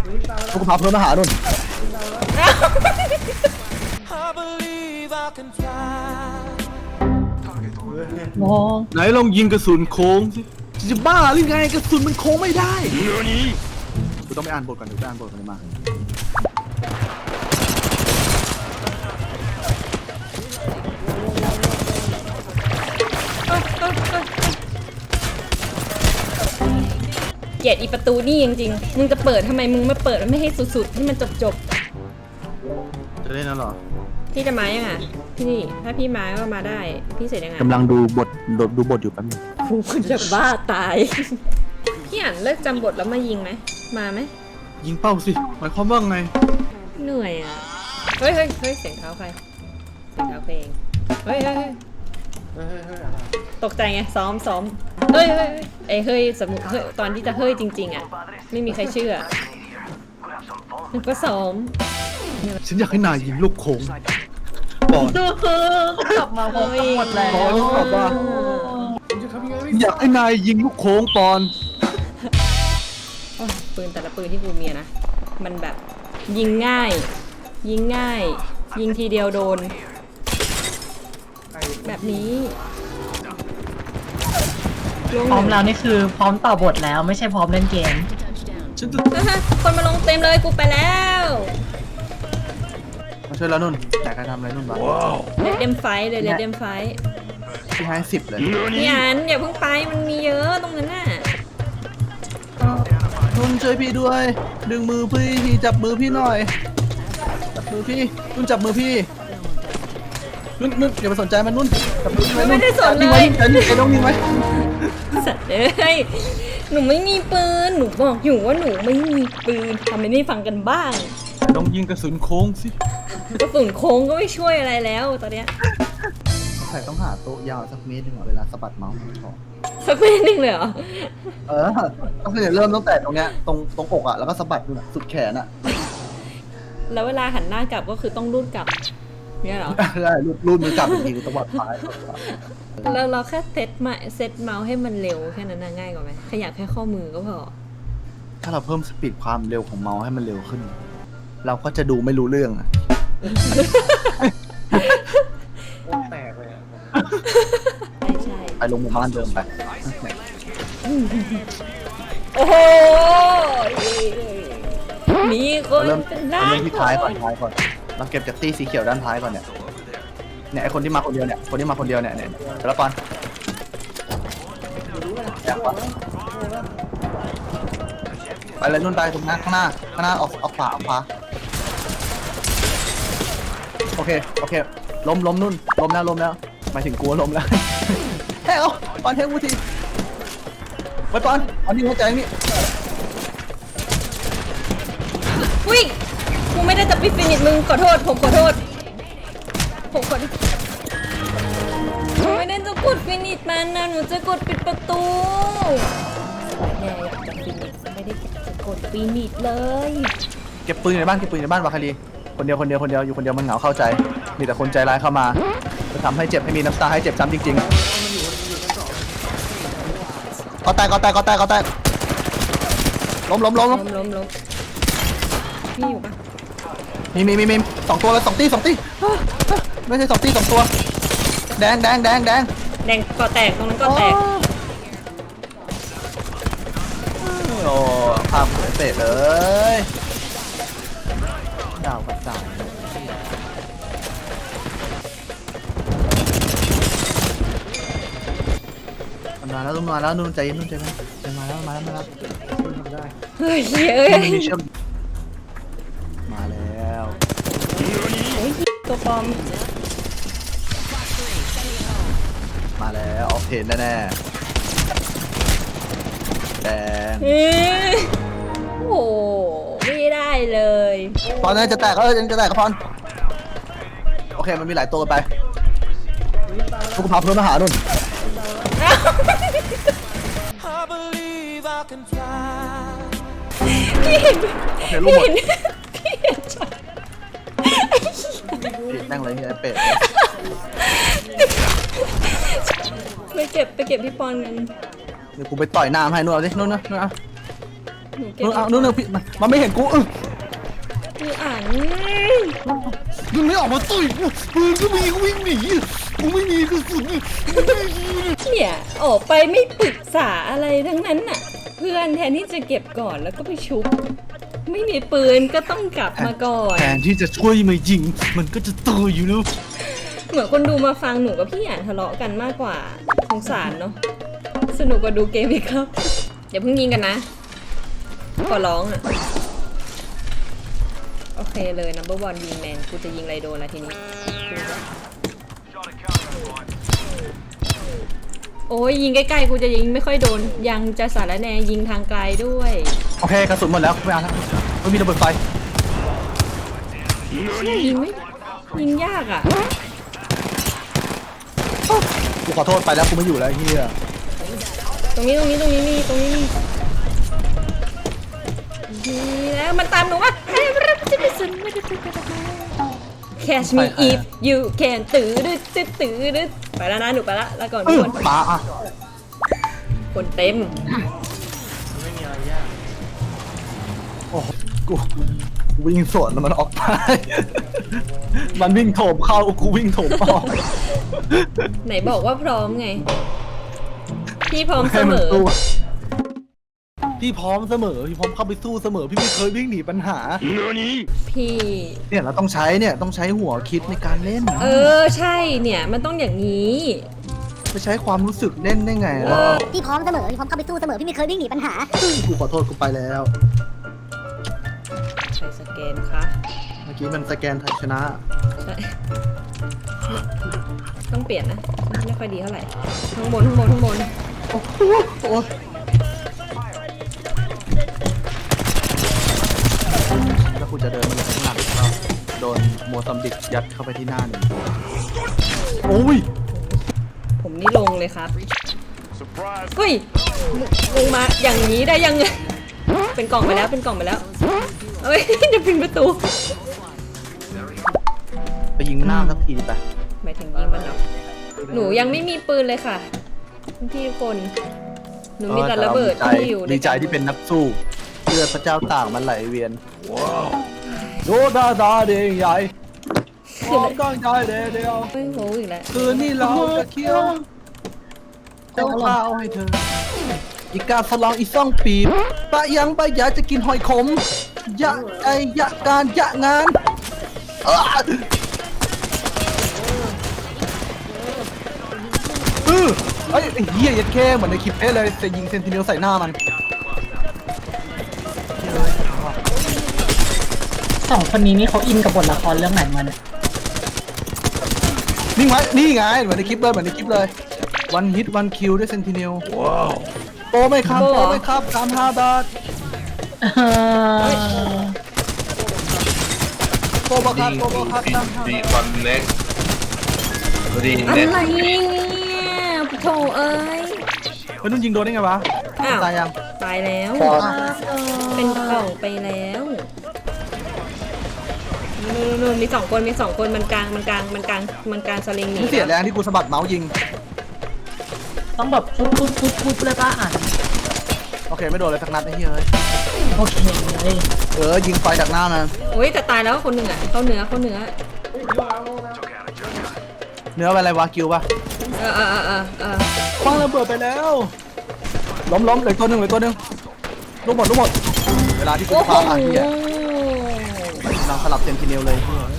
พวกพาเพื่อนมาหานุ่นไหนลองยิงกระสุนโค้งสิจะบ้าหรือไงกระสุนมันโค้งไม่ได้กูต้องไปอ่านบทก่อนเดี๋ยวไปอ่านบทก่อนมาเกลียดอีประตูนี่จริงๆมึงจะเปิดทำไมมึงไม่เปิดไม่ให้สุดๆให้มันจบจะเล่นแล้วหรอพี่จะมายังอ่ะพี่ถ้าพี่มาก็มาได้พี่เสร็จยังไงกำลังดูบทอยู่แป๊บนึงกูจะบ้าตายพี่อ่านเลิกจำบทแล้วมายิงไหมมาไหมยิงเป้าสิหมายความว่าไงเหนื่อยอ่ะเฮ้ยเสียงเท้าใครเสียงเท้าเพลงเฮ้ยตกใจไงซ้อมเฮ้ยสมมติเฮ้ยตอนที่จะเฮ้ยจริงๆอ่ะไม่มีใครเชื่อมันก็ซ้อมฉันอยากให้นายยิงลูกโค้งบอลกลับมาพบกันหมดแล้วบอลตอบว่าอยากให้นายยิงลูกโค้งปอนปืนแต่ละปืนที่กูมีนะมันแบบยิงง่ายยิงทีเดียวโดนแบบนี้พร้อมแล้วนี่คือพร้อมต่อบทแล้วไม่ใช่พร้อมเล่นเกมคนมาลงเต็มเลยกูไปแล้วมาช่วยแล้วนุ่นแต่ใครทำอะไรนุ่นบ้างเลดเดมไฟเลยเลดเดมไฟพี่ให้10เลยพี่อันอย่าเพิ่งไปมันมีเยอะตรงนั้นน่ะนุ่นช่วยพี่ด้วยดึงมือพี่จับมือพี่หน่อยจับมือพี่นุ่นจับมือพี่นุ่นอย่าไปสนใจมันนุ่นจับมือพี่ไว้นุ่นไม่ได้สนเลยไอ้น้องนิ่งไว้สัตว์เลยหนูไม่มีปืนหนูบอกอยู่ว่าหนูไม่มีปืนทำไมไม่ฟังกันบ้างลองยิงกระสุนโค้งสิกระสุนโค้งก็ไม่ช่วยอะไรแล้วตอนเนี้ยใครต้องหาโต๊ะยาวสักเมตรหนึ่งเวลาสะบัดเมาส์พอสักเมตรหนึ่งเลยเหรอก็คือเริ่มตั้งแต่ตรงเนี้ยตรงอกอ่ะแล้วก็สะบัดดูสุดแขนอ่ะแล้วเวลาหันหน้ากลับก็คือต้องรูดกลับเนี่ยเหรอใช่รูดมือกลับอีกทีตวัดซ้ายแล้วเราแค่เซตเมาส์ให้มันเร็วแค่นั้นง่ายกว่าไหมขยับแค่ข้อมือก็พอถ้าเราเพิ่มสปีดความเร็วของเมาส์ให้มันเร็วขึ้นเราก็จะดูไม่รู้เรื่องอ่ะแตกเลยใช่ไปลงหมู่บ้านเดิมไปโอ้โหมีคนเป็นล้านที่ท้ายก่อนเราเก็บจากตี้สีเขียวด้านท้ายก่อนเนี่ยไอคนที่มาคนเดียวเนี่ยแต่ละปอนไปเลยนุ่นไปตรงนั้นข้างหน้าออกขวาโอเคล้มนุ่นล้มแล้วหมายถึงกลัวล้มแล้วเฮ้ยปอนเทงูทีไปปอนเอานี่หัวใจนี่วิ่งกูไม่ได้จะปิดฟินิชมึงขอโทษผมขอโทษไม่ได้จะกดฟินิชมันนะหนูจะกดปิดประตูแย่อยากจะฟินิชไม่ได้จะกดฟินิชเลยเก็บปืนในบ้านวาคารีคนเดียวอยู่คนเดียวมันเหงาเข้าใจมีแต่คนใจร้ายเข้ามาจะทำให้เจ็บให้มีน้ำตาให้เจ็บซ้ำจริงๆก็แตกล้มพี่อยู่ปะมี2 ตัวแล้ว2 ตีไม่ใช่2 ตี 2 ตัวแดงก็แตกตรงนั้นก็แตกโอ้ภาพเสร็จเลยดาวกับดาวมาแล้วนุ่นใจเย็นมาแล้วเฮ้ยมาแล้วตัวปลอมมาแล้วออกเพนแน่แดงโอ้ไม่ได้เลยตอนนั้นจะแตกก็พอนโอเคมันมีหลายตัวไปพวกพาเพื่อนมาหานุ่นพี่เห็นนั่งเลยไอ้เป็ดไปเก็บพี่ปอนกันเดี๋ยวกูไปต่อยน้ำให้นุ่นเอาสินุ่นหนูเก็บเอานู่นพี่มันไม่เห็นกูพี่อ่านมึงไม่ออกมาตุ้ยปืนก็มีกูวิ่งหนีกูไม่มีกระสุนเนี่ยออกไปไม่ปรึกษาอะไรทั้งนั้นน่ะ เพื่อนแทนที่จะเก็บก่อนแล้วก็ไปชุบ ไม่มีปืนก็ต้องกลับมาก่อนแทนที่จะช่วยมายิงมันก็จะตายอยู่แล้วเหมือนคนดูมาฟังหนูกับพี่อ่านทะเลาะกันมากกว่าสงสารเนาะสนุกกว่าดูเกมอีกครับอย่าเพิ่งยิงกันนะขอร้องอ่ะโอเคเลย number one ยิงแมนกูจะยิงไรโดนละทีนี้โอ้ยยิงใกล้ๆกูจะยิงไม่ค่อยโดนยังจะสารแนยิงทางไกลด้วยโอเคกระสุนหมดแล้วไม่เอาแล้วไม่มีระเบิดไฟยิงไม่ยิงยากอ่ะกูขอโทษไปแล้วกูไม่อยู่แล้วไอ้เฮียตรงนี้มีแล้วมันตามหนูว่า Catch me if you can ตื้อดึดไปแล้วนะหนูไปละแล้วก่อนทุกคนปาอ่ะคนเต็มโอ้กูวิ่งสวนแล้วมันออกไป มันวิ่งโถมเข้ากูวิ่งโถมออกไหนบอกว่าพร้อมไง พี่พร้อมเสมอพี่พร้อมเสมอพี่พร้อมเข้าไปสู้เสมอพี่ไม่เคยวิ่งหนีปัญหาพี่เนี่ยเราต้องใช้หัวคิดในการเล่นใช่เนี่ยมันต้องอย่างนี้ไปใช้ความรู้สึกเล่นได้ไงล่ะพี่พร้อมเสมอ พี่พร้อมเข้าไปสู้เสมอ พี่ไม่เคยวิ่งหนีปัญหากูขอโทษกูไปแล้วใช้สแกนคะเมื่อกี้มันสแกนไทยชนะใช่ต้องเปลี่ยนนะไม่ค่อยดีเท่าไหร่ข้างบนโอ้โหแล้วกูจะเดินมาจากข้างหลังเราโดนโมซัมบิกยัดเข้าไปที่หน้าหนึ่งโอ้ยผมนี่ลงเลยครับเฮ้ยลงมาอย่างนี้ได้ยังไงเป็นกล่องไปแล้วเอ้ยจะพิงประตูไปยิงหน้าสักทีไปหมายถึงยิงมันเหรอหนูยังไม่มีปืนเลยค่ะพี่คนหนูมีแต่ระเบิดที่อยู่ดีใจที่เป็นนักสู้เลือดพระเจ้าต่างมันไหลเวียนโดดาดาเดงใหญ่พร้อมตั้งใจเดียวไม่โหอีกแล้วคืนนี้เราจะเคี้ยวเจ้าข้าวให้เธออีกาสลองอีซ่องปีบปะยังปะอยากจะกินหอยขมยะไอยะการยะงานไอ้เหี้ยยัดแค่เหมือนในคลิปเลยแต่ยิงเซนติเนลใส่หน้ามันสองคนนี้นี่เขาอินกับบทละครเรื่องไหนมาเนี่ยนี่ไงเหมือนในคลิปเลยวันฮิตวันคิวด้วยเซนติเนลว้าวโตไหมครับ35 บาทโตบะครับดีคอนเน็กดีอะเน็ตไรเนี่ยโถเอ้ยเฮ้ยนุ่นยิงโดนได้ไงวะอ้าวตายยังตายแล้ว เป็นกล่องไปแล้วนู่นมีสองคนมันกลางสลิงหนีกูเสียแรงที่กูสะบัดเมาส์ยิงต้องแบบปุ๊บเลยป้าอ่านโอเคไม่โดนเลยสักนัดไอ้เหี้ยเอ้ยโอเคเลยยิงไฟจากหน้ามันโอ้ยแต่ตายแล้วคนหนึ่งอ่ะเข้าเนื้อเนื้อเป็นอะไรวะกิวปะ คว้างระเบิดไปแล้วล้มเหลือตัวหนึ่งลูกหมดเวลาที่กูโอ้โหพาผ่านที่อ่ะเราสลับเซนติเนลเลย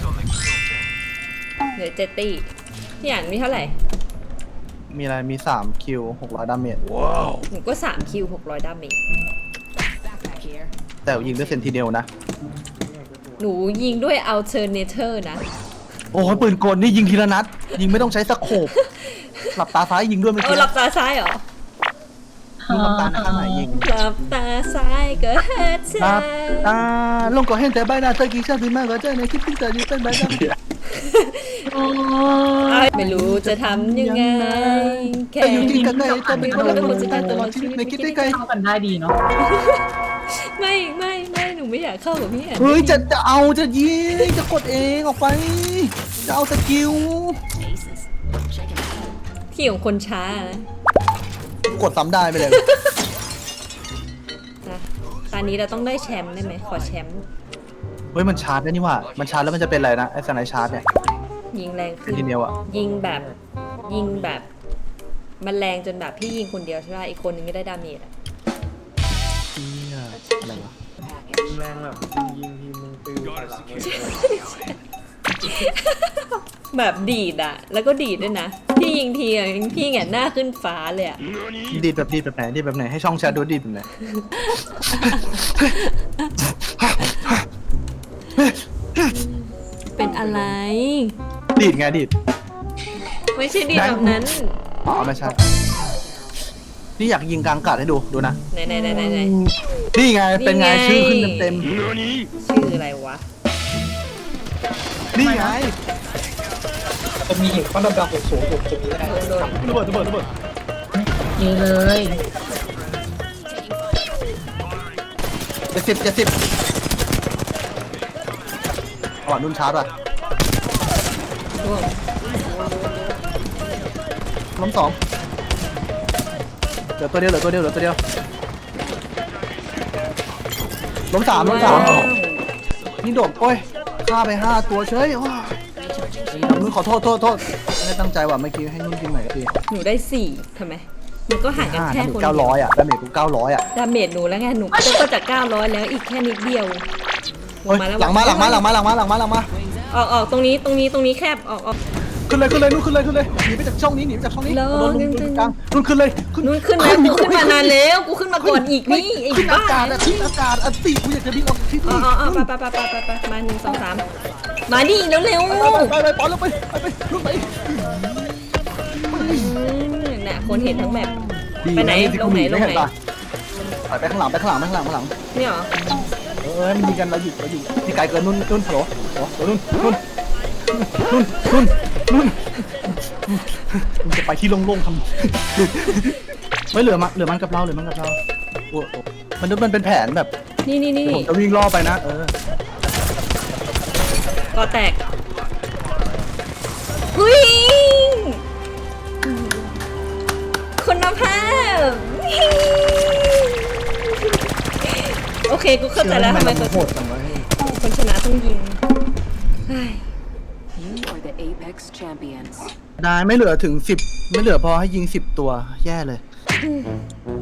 เหลือ7 ตีพี่อ่านมีเท่าไหร่มีอะไรมี3คิว600 ดาเมจหนูก็3 คิว 600 ดาเมจแต่ยิงด้วยเซนติเนลนะหนูยิงด้วย alternator นะโอ้โหปืนกลนี่ยิงทีละนัด ยิงไม่ต้องใช้สโคปหลับตาซ้ายยิงด้วยเมื่อกี้หลับตาซ้ายเหรอมึงหลับตาข้างไหนยิงหลับตาซ้ายก็เฮ็ดหลัซ้าบยตาลงก่อนเห็นแต่ใบหน้าเธอกี่ชาติถึงมากกว่าเจอในคลิปที่เธออยู่เป็นใบหน้าไม่รู้จะทำยังไง แค่แต่อยู่จริงกันเลยจะเป็นคนละคนสุดท้ายตลอดชีวิตในคิดได้ไกลเข้ากันได้ดีเนาะไม่หนูไม่อยากเข้ากับพี่อ่านเฮ้ยจะยิงจะกดเองออกไปจะเอาสกิลที่ของคนช้านะกดซ้ำได้ไปเลยนะตอนนี้เราต้องได้แชมป์ได้ไหมขอแชมป์เฮ้ยมันชาร์จได้นี่หว่ามันชาร์จแล้วมันจะเป็นอะไรนะไอ้สไนชาร์จเนี่ยยิงแรงขึ้นทีเดียวอะยิงแบบมันแรงจนแบบพี่ยิงคนเดียวใช่ไหมอีกคนนึงไม่ได้ดาเมจอะเหี้ยอะไรวะแรงแบบยิงทีมึงปิวใส่หลังเลยแบบดีดอะแล้วก็ดีดด้วยนะพี่ยิงทีอะพี่แหงนหน้าขึ้นฟ้าเลยอะดีดแบบไหนดีดแบบไหนให้ช่องแชทดูดีดแบบไหนเป็นอะไรดีดไงดีดไม่ใช่ดีดแบบนั้นอ๋อไม่ใช่นี่อยากยิงกลางอากาศให้ดูนะไหนนี่ไงเป็นไงนี่ไงชื่อขึ้นเต็มชื่ออะไรวะๆนี่ไงจะมีหินก้อนดำๆสูงๆอยู่ตรงนี้ก็ได้โดนระเบิดดีเลย 70อ๋อนุ่นชาร์จป่ะร่วงล้มสองเหลือตัวเดียวล้มสามว้าวนี่โดดโอ้ยฆ่าไป5ตัวเฉยว้านุ่นขอโทษไม่ได้ตั้งใจว่ะเมื่อกี้ให้นุ่นกินใหม่ทีหนูได้4ทำไมมันก็ห่างกันแค่คนเก้าเดียวร้อยอ่ะดาเมจกู900อ่ะดาเมจหนูแล้วไงหนูก็จาก900แล้วอีกแค่นิดเดียวเฮ้ยหลังมาออกตรงนี้แคบออกขึ้นเลยนุ่นขึ้นเลยหนีไปจากช่องนี้โดนลงกลางนุ่นขึ้นเลยนู่นขึ้นแล้วกูขึ้นมานานแล้วกูขึ้นมาก่อนอีกนี่ไอ้ขึ้นบ้าอากาศทิ้งอากาศติกูอยากจะบินออกที่อ๋นี่อไปมา1 2 3มาดิเร็วไปปอนลงไปนุ่นไปน่ะคนเห็นทั้งแมปไปไหนลงไหนไปข้างหลังเนี่ยเหรอมันยิงกันเราอยู่ที่ไกลเกินนุ่นฮัลโหลนุ่นมึงจะไปที่โล่งๆทำไม่เหลือมันกับเราโอ้มันเป็นแผนแบบนี่ผมจะวิ่งล่อไปนะก็แตกหุ้ยคุณภาพโอเคกูเข้าใจแล้วทำไมโหดจังวะคนชนะต้องยิงเฮ้ย You are the Apex champions. ได้ไม่เหลือถึง10ไม่เหลือพอให้ยิง10ตัวแย่เลย